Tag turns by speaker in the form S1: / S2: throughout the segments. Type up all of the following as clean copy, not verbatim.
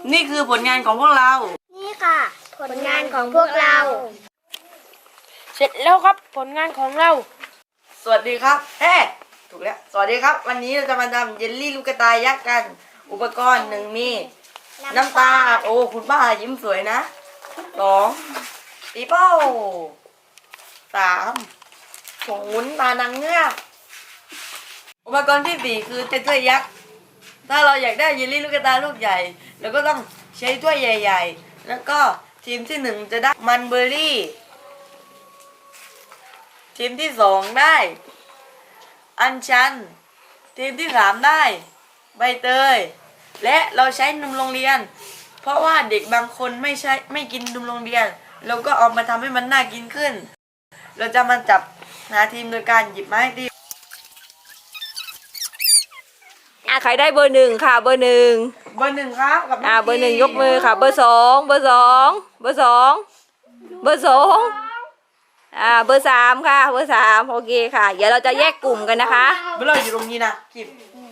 S1: นี่คือผลงานของพวกเรา
S2: นี่ค่ะ ผลงานของพวกเรา
S3: เสร็จแล้วครับผลงานของเรา
S1: สวัสดีครับถูกแล้วสวัสดีครับวันนี้เราจะมาทำเยลลี่ลูกกระต่ายยักษ์กัน อุปกรณ์หนึ่งมีน้ำตาลโอ้คุณป้ายิ้มสวยนะ2ปีโป้3ผงวุ้นตานางเงือกอุปกรณ์ที่4คือถ้วยยักษ์ถ้าเราอยากได้เยลลี่ลูกกระต่ายลูกใหญ่เราก็ต้องใช้ถ้วยใหญ่ๆแล้วก็ทีมที่1จะได้มันเบอร์รี่ทีมที่2ได้อัญชันทีมที่3ได้ใบเตยและเราใช้นมโรงเรียนเพราะว่าเด็กบางคนไม่กินนมโรงเรียนเราก็เอามาทำให้มันน่ากินขึ้นเราจะมาจับหาทีมโดยการหยิบไม้ที
S4: ใครได้เบอร์1ค่ะเบอร์1
S1: เบอร์1ครับกับ
S4: เบอร์1ยกมือค่ะเบอร์2เบอร์2เบอร์2เบอร์2เบอร์3ค่ะเบอร์3โอเคค่ะเดี๋ยวเราจะแยกกลุ่มกันนะคะ
S1: เบอร์เราอยู่ตรงนี้นะกิบ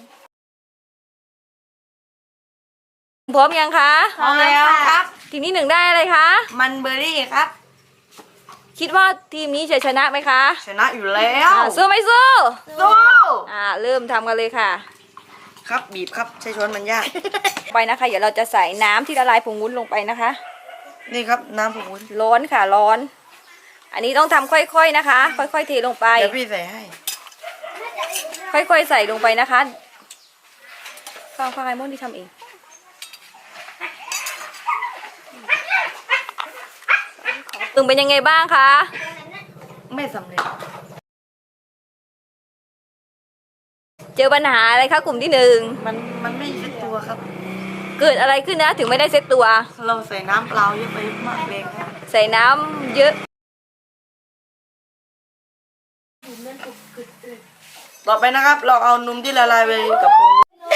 S4: พร้อมยังคะ
S1: พร้อมแล้วครับ
S4: ทีมที่1ได้อะไรคะ
S1: มันเบอร์รี่ครับ
S4: คิดว่าทีมนี้จะชนะไหมคะ
S1: ชนะอยู่แล้ว
S4: สู้ไม่สู้
S1: สู้
S4: เริ่มทำกันเลยค่ะ
S1: ครับบีบครับใช้ช้อนมันยาก
S4: ไปนะคะเดี๋ยวเราจะใส่น้ำที่ละลายผงวุ้นลงไปนะคะ
S1: นี่ครับน้ำผงวุ้น
S4: ร้อนค่ะร้อนอันนี้ต้องทำค่อยๆนะคะค่อยๆเทลงไป
S1: เดี๋ยวพี่ใส่ให้
S4: ค่อยๆใส่ลงไปนะคะฟังไอ้มดที่ทำเองตึงเป็นยังไงบ้างคะ
S1: ไม่สำเร็จ
S4: เจอปัญหาอะไรคะกลุ่มที่
S1: มันไม่เซ็ตตัวครับ
S4: เกิดอะไรขึ้นนะถึงไม่ได้เซ็ตตัว
S1: เราใส่น้ำเปล่าเยอะไปมากเลยครับ
S4: ใส่น้ำเยอะ
S1: ต่อไปนะครับเราเอานมที่ละลายไปกับผง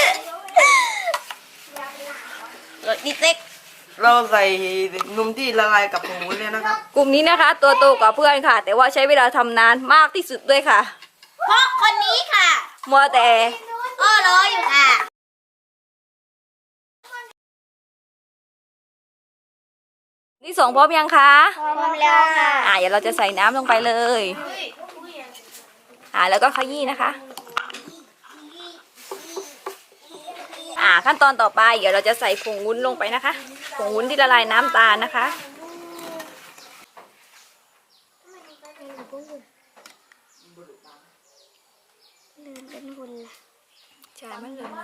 S4: ดิเซ็ก
S1: เราใส่นมที่ละลายกับผงวุ้นเลยนะครับ
S4: กลุ่มนี้นะคะตัวโตกว่าเพื่อนค่ะแต่ว่าใช้เวลาทำนานมากที่สุดด้วยค่ะ
S2: เพราะคนนี้ค่ะ
S4: มัวแต่
S2: รออยู่ค่ะ
S4: ที่2พร้อมยังคะ
S2: พร้อมแล้วค่ะ
S4: เดี๋ยวเราจะใส่น้ำลงไปเลยแล้วก็ขยี้นะคะขั้นตอนต่อไปเดี๋ยวเราจะใส่ผงวุ้นลงไปนะคะผงวุ้นที่ละลายน้ำตาลนะคะใช่มันเลย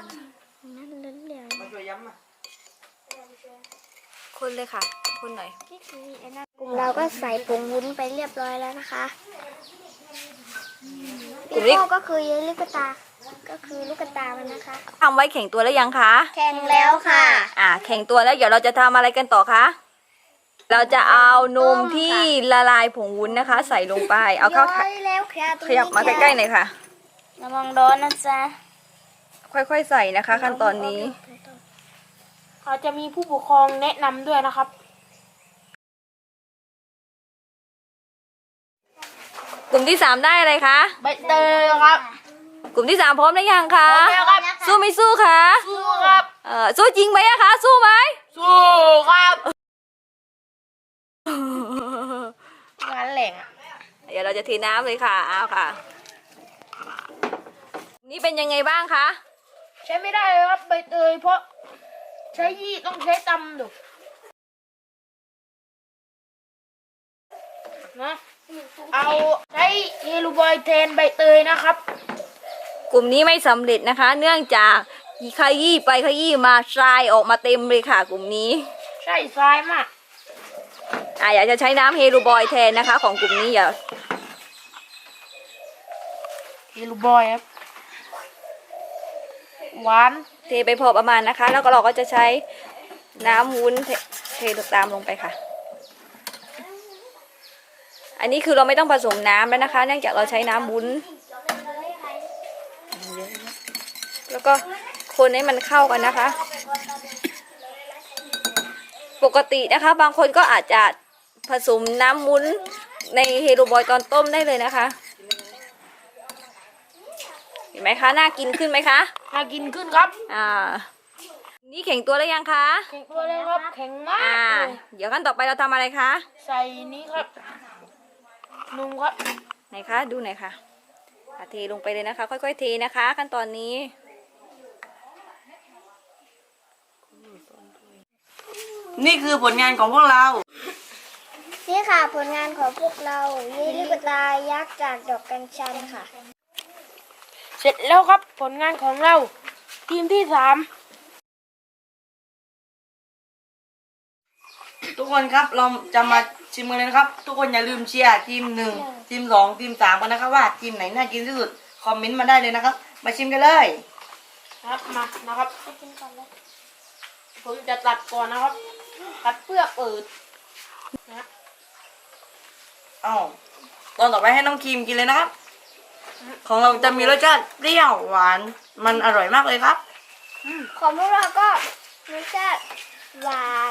S4: คนเลยค่ะคนหน่อย
S2: กลุ่มเราก็ใส่ผงวุ้นไปเรียบร้อยแล้วนะคะปีโป้ก็คือเยลลี่กระตาก็คือลูกกระตามันนะคะ
S4: ทำไว้แข่งตัวแล้วยังคะ
S2: แข่งแล้วค่ะ
S4: แข่งตัวแล้วเดี๋ยวเราจะทำอะไรกันต่อคะเราจะเอานมที่ละลายผงวุ้นนะคะใส่ลงไปเอาเข้าขยับมาใกล้ๆหน่อยค่ะ
S2: ระวังร้อนนะจ๊ะ
S4: ค่อยๆใส่นะคะขั้นตอนนี้
S3: เขาจะมีผู้ปกครองแนะนำด้วยนะครับ
S4: กลุ่มที่3ได้อะไรคะ
S3: ใบเตยครับ
S4: กลุ่มที่3พร้อมหรือยังคะ
S3: พร้อมแล้วครับ
S4: สู้ไม่สู้คะ
S3: สู้ครับ
S4: สู้จริงไหมอะคะสู้ไหม
S3: สู้ครับงานแหล่ง
S4: เดี๋ยวเราจะเทน้ำเลยค่ะเอาค่ะนี่เป็นยังไงบ้างคะ
S3: ใช้ไม่ได้เลยครับใบเตยเพราะใช้ยี่ต้องใช้ตำดูนะเอาใช้เฮลูบอยแทนใบเตยนะครับ
S4: กลุ่มนี้ไม่สำเร็จนะคะเนื่องจากขยี้ไปขยี้มาทรายออกมาเต็มเลยค่ะกลุ่มนี้
S3: ใช่ทรายมาก
S4: อยากจะใช้น้ำเฮลูบอยแทนนะคะของกลุ่มนี้อย่า
S3: เฮลูบอยครับหวาน
S4: เทไปพอประมาณนะคะแล้วก็เราก็จะใช้น้ำวุ้นเทตามลงไปค่ะอันนี้คือเราไม่ต้องผสมน้ำแล้วนะคะเนื่องจากเราใช้น้ำวุ้นแล้วก็คนให้มันเข้ากันนะคะปกตินะคะบางคนก็อาจจะผสมน้ำวุ้นในเฮโรบอยตอนต้มได้เลยนะคะเห็นไหมคะน่ากินขึ้นไหมคะ
S3: น่ากินขึ้นครับ
S4: นี่แข็งตัวแล้วยังคะ
S3: แข็งตัวเลยครับแข็งมาก
S4: อ่า
S3: เลย
S4: เดี๋ยวขั้นต่อไปเราทำอะไรคะ
S3: ใส่นี้ครับนุ่มครับ
S4: ไหนคะดูหน่อยค่ะเทลงไปเลยนะคะ ค่อยๆเทนะคะ ขั้นตอนนี้
S1: นี่คือผลงานของพวกเรา
S2: นี่ค่ะผลงานของพวกเราเยลลี่ลูกตายักษ์จากดอกกัญชันค่ะ
S3: เสร็จแล้วครับผลงานของเรา ทีมที่
S1: ทุกคนครับเราจะมาชิมกันเลยนะครับ ทุกคนอย่าลืมเชียร์ทีม 1 ทีม 2 ทีม 3กันนะครับว่าทีมไหนน่ากินที่สุดคอมเมนต์มาได้เลยนะครับ มาชิมกันเลย
S3: 3ครับมานะครับผมจะตัดก่อนนะครับ ตัดเปลือกเปิดนะ
S1: อ้าวตอนต่อไปให้น้องครีมกินเลยนะครับ ของเราจะมีรสชาติเปรี้ยวหวานมันอร่อยมากเลยครับ
S2: ของพวกเราก็รสชาติหวาน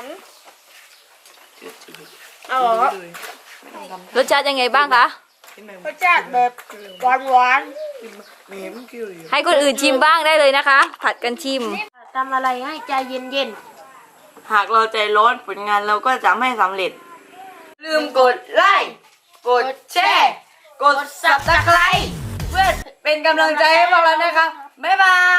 S3: เอาเหรอครับ
S4: รสชาติยังไงบ้างคะ
S3: รสชาติแบบหวาน
S4: ให้คนอื่นชิมบ้างได้เลยนะคะ ผัดกันชิม
S3: ๆทำอะไรให้ใจเย็น
S1: หากเราใจร้อนผลงานเราก็จะไม่สำเร็จ ลืมกดไลค์กดแชร์กด subscribe เพื่อเป็นกำลังใจให้พวกเรานะครับบ๊ายบาย